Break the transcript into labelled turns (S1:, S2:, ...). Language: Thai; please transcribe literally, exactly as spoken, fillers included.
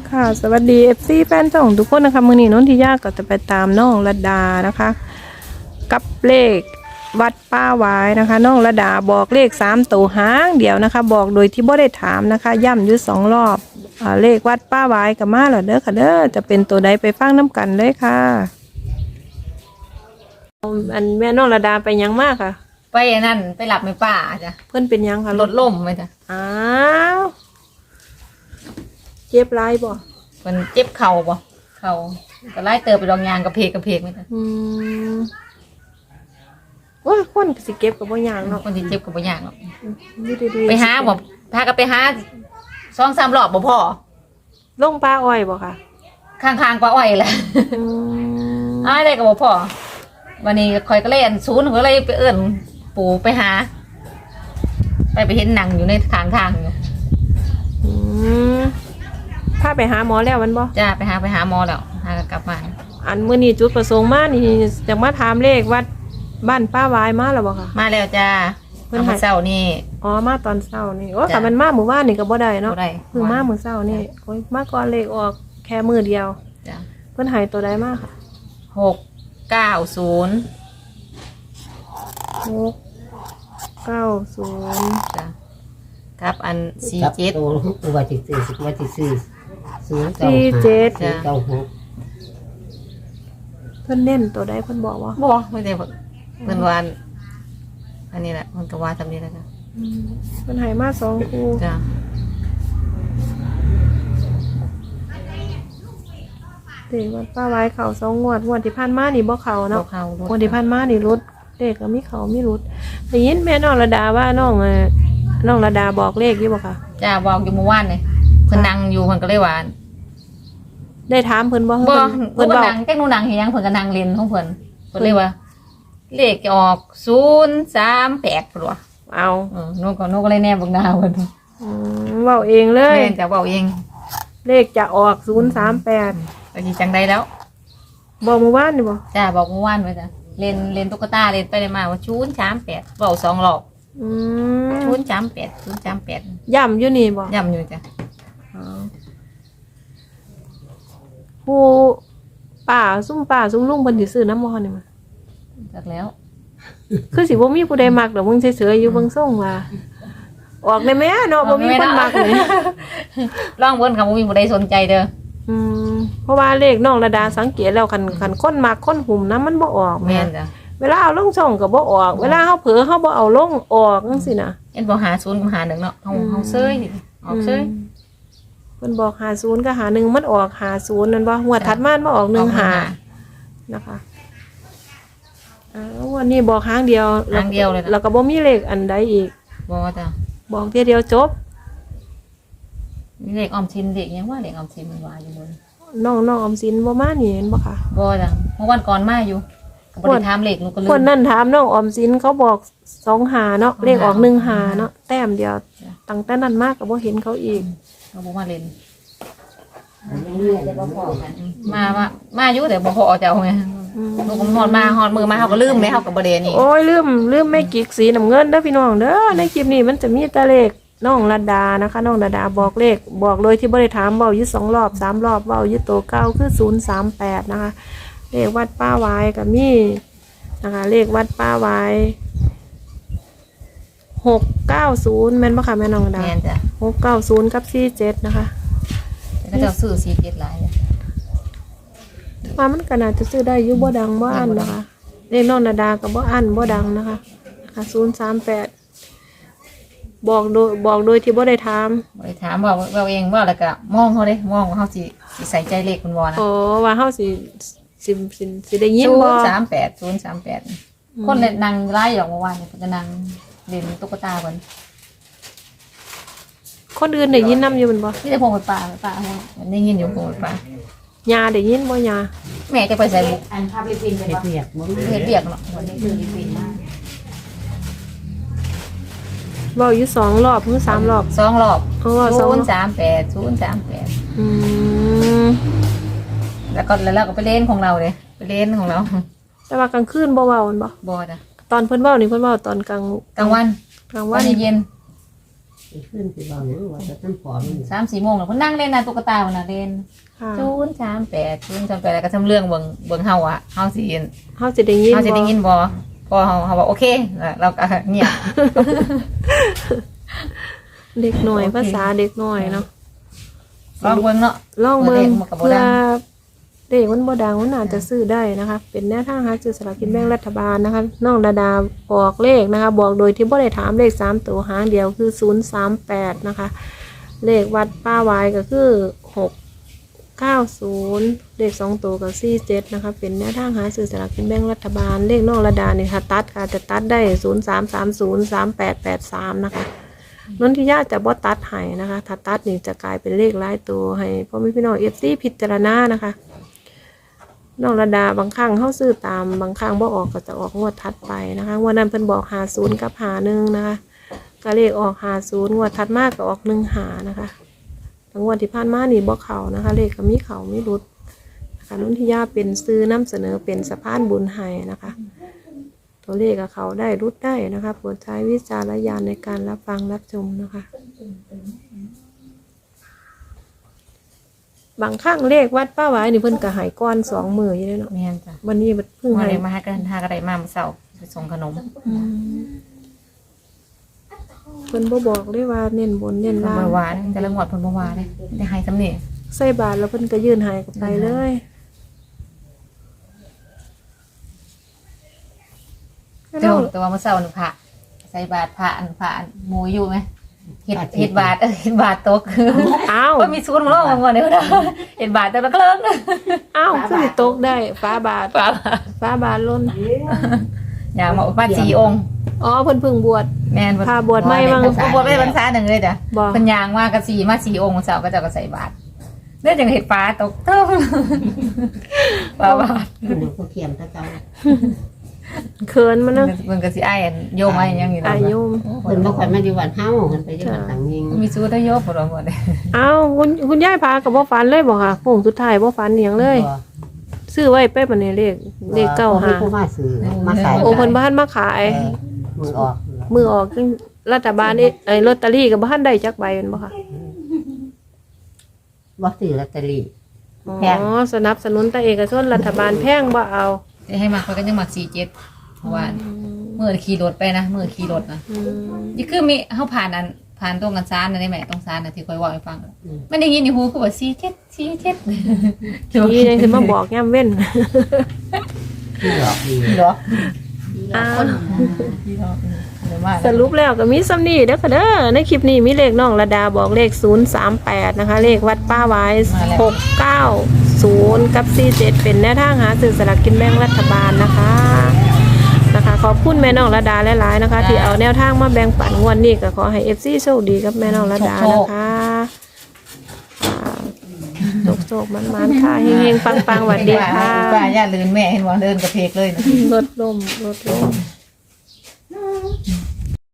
S1: ค่ะสวัสดี เอฟ ซี แฟนช่องทุกคนนะคะมื้อนี้นนทิยาก็จะไปตามน้องระดานะคะ กับเลขวัดป้าหวายนะคะน้องระดาบอกเลขสามตัวหางเดียวนะคะ บอกโดยที่บ่ได้ถามนะคะ ย่ำอยู่สองรอบอ่าเลขวัดป้าหวายกับมาแล้วเด้อค่ะเด้อจะเป็นตัวใดไปฟังน้ำกันเลยค่ะอันแม่น้องระดาไปยังมากค่ะ
S2: ไปนั่นไปหลับในป่าจ้ะ
S1: เพื่อนเป็นยังค่ะ
S2: รถล่มไปจ้ะ
S1: อ้าวเจ็บไรบ่
S2: มันเจ็บเข่าบ่เข่าก็ไล่เติบไปดองยางกระเพกกระเพกไหมจ้ะ
S1: อืมว่าคนก็สิเก็บกับบ่ยางเนาะ
S2: คนที่เจ็บก็บ่ยากหรอก
S1: อยู่ดีๆ
S2: ไปหาบ่พาก็ไปหาสองสามรอบบ่พอ
S1: ลงปลาอ้อยบ่ค่ะ
S2: ข้างๆปลาอ้อยแหละ
S1: อืม
S2: อ้ายได้ก็บ่พอวันนี้คอยก็เล่นศูนย์ก็เลยไปเอื้อนปู่ไปหา ไปไปเห็นหนังอยู่ในทางทางอยู่
S1: อืมถ้าไปหาหมอแล้วมันบ่
S2: จ้าไปหาไปหาหมอแล้วหาก็กลับมา
S1: อันมื้อนี้จุดประสงค์มานี่จะมาถามเลขวัดบ้านป้าวายมาแล้วบ่ค่ะ
S2: มาแล้วจ้า
S1: เพิ่น
S2: เอา
S1: ให้
S2: มาเช้านี่
S1: อ๋อมาตอนเช้านี่โอ้
S2: จ้ะ
S1: ถ้ามันมามื้อวานนี่ก็บ่ได้เนาะ
S2: บ่ได้
S1: เพิ่งมามื้อเช้านี่โอ้ยมาก่อนเลขออกแค่มื้อเดียว
S2: จ้า
S1: เพิ่นให้ตัวใดมาค่ะ
S2: หกเก้าศูนย์
S1: หกเก้าศูนย์
S2: จ้ะครับอันสี่
S3: ครับ
S2: เจ็ด
S3: ตัวตัววัติซื้อสิวัติซื้อศูนย์เก้า
S1: สี่
S3: ห้า
S1: เจ็ด
S3: สี่เก้าหก
S1: เพิ่นเน้นตัวใดเพิ่นบอกว่า
S2: บ่ไม่ได้เพิ่นวาอันอันนี้แหละมันก็ว่าทำนี้แล้วจ้ะ
S1: อืมเพิ่นให้มาสองคู่
S2: จ้ะ
S1: เด็กวัดป้าไว้เขาสองงวดงวดที่ผ่านมานี่บ่เขา
S2: บอ
S1: เนาะ
S2: กเขา
S1: งวดที่ผ่านมานี่รุดเลขก็มีเขามีรุดได้ยินแม่น้องระดาว่าน้องเอ่อน้องระดาบอกเลขอยู่บ่คะ
S2: จ้ะบอกอยู่เมื่อวานนี่เพิ่นนั่งอยู่เพิ่นก็เลยว่า
S1: ได้ถามเพิ่นบ่
S2: บ่
S1: เพิ่น
S2: เพิ่
S1: เพิ่
S2: น
S1: นบอก
S2: นั่งแค่หนูนั่งเฮ็ดหยังเพิ่นก็นั่งเล่นของเพิ่นเพิ่นเลยว่า เลขจะออกศูนย์สามแปดพุ่นว่ะ
S1: เอา
S2: เออหนูก็หนูก็เลยแนบเบิ่งหน้าเพิ่น
S1: อืมเว้าเองเลย
S2: แม่นจะเว้าเอง
S1: เลขจะออกศูนย์สามแปด
S2: ก็สิจังไดแล้ว
S1: บอกเมื่อวานนี่บ่
S2: จ้ะบอกเมื่อวานไว้จ้ะเล่นเล่นตุ๊กตาเล่นไปเลยมาว่าศูนย์สามแปดเว้าสองรอบ
S1: อืม
S2: ศูนย์สามแปดศูนย์สามแปด
S1: ย่ำอยู่นี่บ่
S2: ย่ำอยู่จ้ะ
S1: เอาผู้ป้าซุ่มป้าซุ่มลุงเพิ่นสิซื้อน้ำบ่นี่มา
S2: จากแล้ว
S1: คือสิบ่มีผู้ใดมักดอกมึงเฉยๆอยู่เบิ่งส่งว่า ออกได้แม่เนาะบ่มีคนมักเลย
S2: ร่องเบิ้นคำว่ามีบุได้สนใจเด้อ
S1: อืมเพราะว่าเลขน้องระดาสังเกตแล้วคันคันคนมักคนหุ่มน้ำมันบ่ออก
S2: แม่
S1: แม่
S2: นจ้ะ
S1: เวลาเอาลงช่องก็บ่ออก เวลาเฮาเผลอเฮาบ่เอาลงออกจังซี่นะ
S2: เอ็นบอกหาศูนย์กับหาหนึ่งเนาะเขาเขาเซยออกเซย
S1: มเพิ่นบอกห้าสิบกับห้าสิบเอ็ดมันออกห้าสิบนั่นบ่หัวดถัดมามันออกหนึ่งห้านะคะอ้าววันนี้บอกครั้งเดียว
S2: ทางเดียวเลยนะ
S1: แล้วก็บ่มีเลขอันใดอีก
S2: บอกจ้ะ
S1: บอกเทียเดียวจบ
S2: มีเด็กออมสินเด็กยังว่าเด็กออมสินมันว่าอยู่บน
S1: น้องน้องออมสินบ่มานี่เห็นบ่คะ
S2: บอจ้ะเมื่อวันก่อนมาอยู่กับบริทามเหล็กหนูก็ลื
S1: คน
S2: ม
S1: นั้นถามน้องออมสินเขาบอกสองหาเนาะเลขออกหนึ่งหาเนาะแต้มเดียวตั้งแต่นั้นมากก็บ่เห็นเขาอีก
S2: เขาบอกมาเล่นมาว่ามาอยู่แต่บ่พอเจ้าไง
S1: อืม
S2: ลูกมันหอดมาหอดมือมาเขาก็ลืมเลยเขากับบริเวณนี้
S1: โอ้ยลืมลืมไม่กิกสีน้ำเงินเด้อพี่น้องเด้อในคลิปนี้มันจะมีแต่เลขน้องระดานะคะน้องระดาบอกเลขบอกเลยที่บ่ได้ถามเว้าอยู่สองรอบสามรอบเว้าอยู่ตัวเก้าคือศูนย์สามแปดนะคะเลขวัดป้าไว้ก็มีนะคะเลขวัดป้าไว้หกเก้าศูนย์แม่นบ่ค่ะแม่น้องระดา
S2: แม่นจ้ะ
S1: หกเก้าศูนย์กับสี่เจ็ดนะคะ
S2: แต่ก็จะซื้อสีเจ็ดหลายเลย
S1: ว่ามันก็น่าจะซื้อได้อยู่บ่ดังบ่อันนะคะเลขน้องระดาก็บ่อันบ่ดังนะคะศูนย์สามแปดบอกโดยบอกโดยที่บ่ได้ถาม
S2: บริถามว่าเราเองว่าแล้วก็มองเขาเลยมองว่าเขาสิสิใส่ใจเลขคุณวอนะ
S1: โอ้ว่าเฮาสิสิสิสิได้ยิน
S2: ศู
S1: บ่
S2: นย์สามแปดศูนย์สามแปดคนเล่นนางไล่ออกเมื่อวานเนี่ยจะนางเล่นตุ๊กตาคน
S1: คนอื่นได้ยินนํอยู่แม่นบ่
S2: ที่จะพงไปป่าไปป่ามันได้ยินอยู่พงไปป่าย
S1: าได้ยินบ่ยา
S2: แม่จะไปใส่บุก
S3: อันภาพลิปินเห็ดเปียกมั้ง
S2: เห็ดเบียกเนาะวันนี้คือลิปินมาก
S1: เว้าอยู่สองรอบหรือสามรอบ
S2: สองรอบ
S1: เออสอ
S2: ศู
S1: ง
S2: นย์สามแปดศูนย์สามแปด
S1: อืม
S2: แล้วก็แล้วเราก็ไปเล่นของเราเลยไปเล่นของเรา
S1: แต่ว่ากลางคืนบ่เว้าแม่นบ่
S2: บอดอะ
S1: ตอนเพิ่นเว้านี่เพิ่นเว้าตอนกลาง
S2: กลางวัน
S1: กลาง
S2: วั
S1: วัน น
S2: เย็น
S3: ขึ้นสิบอกหรือว่าจะต้องผอมมัน
S2: สามสี่โมงแล้วเพิ่นนั่งเล่นนะตุ๊กตาวันน่ะเล่น
S1: ค่ะ
S2: จูนสามแปดจูนสามแปดแล้วก็ทำเรื่องเบิ่งเบิ่งเฮาอะเฮาสิ
S1: เฮาสิได้ยิน
S2: เฮาสิได้ยินบ่พอเฮาเฮาบอกโอเคเราก็เงียบ
S1: เด็กหน่อยภาษาเด็กหน่อยเนาะ
S2: ลองเบิ่งเนาะ
S1: ลองเบิ่ง
S2: เด็กมันก็บ่
S1: เพื่อ
S2: ดัง
S1: เด็กมันบ่ดังมันอาจจะซื้อได้นะคะ เป็นแนวทางหาซื้อสลากกินแบ่งรัฐบาลนะคะน้องดาดาบอกเลขนะคะ บอกโดยที่บ่ได้ถามเลขสามตัวหางเดียวคือศูนย์สามแปดนะคะ เลขวัดป้าวายก็คือหกเก้าศูนย์เลขสองตัวก็สี่เจ็ดนะคะ เป็นแนวทางหาซื้อสลากกินแบ่งรัฐบาลเลขน้องระดาเนี่ยค่ะตัดค่ะจะตัดได้ศูนย์สามสามศูนย์สามแปดแปดสามนะคะนนทิยาจะบ่ตัดให้นะคะ ถ้าตัดนี่จะกลายเป็นเลขหลายตัวให้พ่อแม่พี่น้องเอฟซีพิจารณานะคะน้องระดาบางครั้งเข้าซื้อตามบางครั้งบ่ออกก็จะออกงวดถัดไปนะคะงวันนั้นเพิ่นบอกหาศูนย์กับหาหนึ่งนะคะก็เลขออกหาศูนย์งวดถัดมากก็ออกหนึ่งหานะคะทั้งงวดที่ผ่านมานี่บ่เข่านะคะ เลขก็มีเข่ามีรุดนะคะนนทิยาเป็นซื้อนำเสนอเป็นสะพานบุญให้นะคะ ตัวเลขกับเขาได้รุดได้นะคะโปรดใช้วิจารณญาณในการรับฟังรับชมนะคะ บางครั้งเลขวัดป้าไว้นี่เพิ่นก็ใหายก้อนสองมืออยู่เลยเนาะ
S2: แม่นจ้ะ
S1: วันนี้เพิ่ง
S2: มา
S1: ใหาย
S2: เลยมาหากันหากันได้มาเมื่อเช้าไปส่งขนม
S1: เพิ่นบ่บอกเลยว่าเน้นบนเน้น
S2: เพิ่น
S1: ล่า
S2: บ่
S1: ง
S2: ว่าเด้แต่ละงวดเพิ่นบ่ว่าเด้ได้ให้ซำนี้
S1: ใส่บาทแล้วเพิ่นก็ยื่นใหายกับไปเลยก็
S2: แต่
S1: น้อ
S2: ว่าง แต่ว่าเมื่อเช้านี่พระใส่บาตรพระอันพระอันหมู่อยู่ไหมเฮ็ดเฮ็ดบาตรเออเฮ็ดบาตรตก
S1: อ้าว
S2: ว่ามีศูนย์มาลองมาก่อนเด้อเฮ็ดบาตรแต่ละเครื่อง
S1: อ้าวคือสิตกได้ฟ้าบาท
S2: ฟ้า
S1: ฟ้าบาทล้น
S2: อย่างมามาสี่องค์
S1: อ๋อเพิ่นเพิ่งบวช
S2: แม่น
S1: พาบวชไม่มั้ง
S2: บวชไม่ได้พรรษาหนึ่งเลยจ้ะ
S1: บ่
S2: เพิ่นยางมากับสี่มาสี่องค์เสาร์ก็เจะก็ใส่บาตรเนื่องจากเห็ดฟ้าตกเท่าฟ้าบาตร
S3: หนูก็เขียมถ้าเจ้า
S1: เขินมันเนาะ
S2: มันก็สิอ้ายอันโยมอ้ายยังอยู่
S1: อายุม
S3: เพิ่นบ่ค่อยมาอยู่วันเฮาเพิ่นไปอยู่วันต่างยิง
S2: มีสู้ได้โยมบ่รอหมดเลย
S1: อ้าวคุณคุณยายพากับบ่ฝันเลยบ่ค่ะโค้งสุดท้ายบ่ฝันอหยังเลย ซื้อไว้ไปบัดนี้เลขเลขเก้า
S3: บ่
S1: ห้า
S3: มีผู้มาซื้อมาขาย
S1: โอ้เพิ่นบ่ทันมาขาย
S3: เออมือออก
S1: มือออกจังรัฐบาลนี่ไอ้ลอตเตอรี่ก็บ่ทันได้จักใบแม่นบ่ค่ะ
S3: บ่ซื้อลอตเตอรี่ แพง
S1: อ๋อสนับสนุนแต่เอกชนรัฐบาลแพงบ่เอา
S2: จะให้มาเขาก็ยังมักสี่เจ็ดเพราะว่าเมื่อขี่รถไปนะเมื่อขี่รถนะ
S1: อืม
S2: นี่คือมีเฮาผ่านอันผ่านตรงกันซานนะได้ไหมตรงซานนะที่คอยเว่าให้ฟังมันได้ยินในหูคือว่าสี่เจ็ดสี่เจ็ด
S1: นี่ยังสิมาบอกยามเว้น
S3: ที่หลอกดี
S2: เหรอ
S1: อ้าว
S2: พี่น้องเดี๋ยวมา
S1: สรุปแล้วก็มีซ้ำนี่เด้อค่ะเด้อในคลิปนี้มีเลขน้องระดาบอกเลขศูนย์สามแปดนะคะ เลขวัดป้าไว้หกเก้าศูนย์กับสี่เจ็ดเป็นแนวทางหาซื้อสลากกินแบ่งรัฐบาลนะคะนะคะขอบคุณแม่น้องระดาหลายๆนะคะ ที่เอาแนวทางมาแบ่งปันงวดนี้ก็ขอให้ เอฟ ซี โชคดีกับแม่น้องระดานะคะโชคๆมันๆค่ะเฮงๆปังๆหวัดดีค่ะ
S2: ป้าย่าลืนแม่เห็นว่าเดินกระเพกเลยนะ
S1: ลดลมลดลม